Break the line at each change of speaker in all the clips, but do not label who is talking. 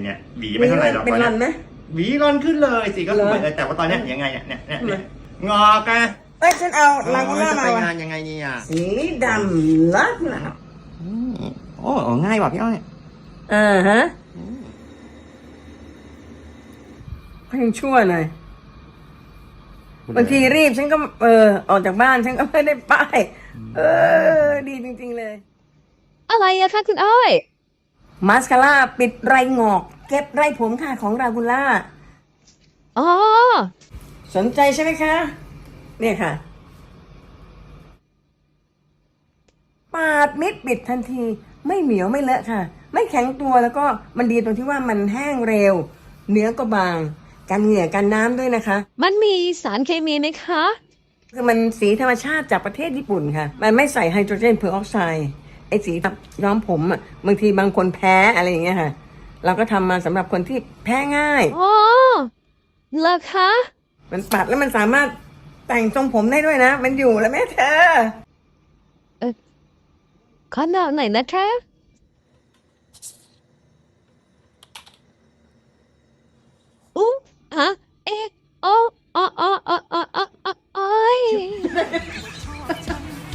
เนี่ยหวีไม่เท่าไหร่หรอกตอนนี้หวีรอนขึ้นเลยสิก็สวยเลยแต่ว่าตอนนี้ยังไงเนี่ยงอกอะ
ฉันเอาลากูล่ามา
ไปงานยังไงเนี่ย
สีดำลักนะ
โอ้ง่ายว่ะพี่อ้อย
ฮะก็ยังชั่วหน่อยบางทีรีบฉันก็ออกจากบ้านฉันก็ไม่ได้ป้ายดีจริงๆเลย
อะไรอะคะคุณอ้อย
มาสคาร่าปิดไรงอกเก็บไรผมค่ะของรากูล่า
อ๋อ
สนใจใช่ไหมคะเนี่ยค่ะปาดมิดปิดทันทีไม่เหนียวไม่เลอะค่ะไม่แข็งตัวแล้วก็มันดีตรงที่ว่ามันแห้งเร็วเนื้อก็บางกันเหงื่อกันน้ำด้วยนะคะ
มันมีสารเคมีไหมคะ
คือมันสีธรรมชาติจากประเทศญี่ปุ่นค่ะมันไม่ใส่ไฮโดรเจนเพอร์ออกไซด์ไอ้สีย้อมผมอ่ะบางทีบางคนแพ้อะไรอย่างเงี้ยค่ะเราก็ทำมาสำหรับคนที่แพ้ง่าย
อ๋อเหรอคะ
มันปัดแล้วมันสามารถแต่งทรงผมได้ด้วยนะมันอยู่แล้วแม่เธอ
ขอหน่อยนะคะฮะโอ้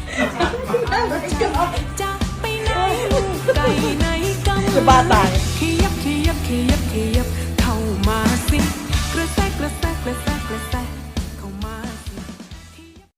จะบ้าตาย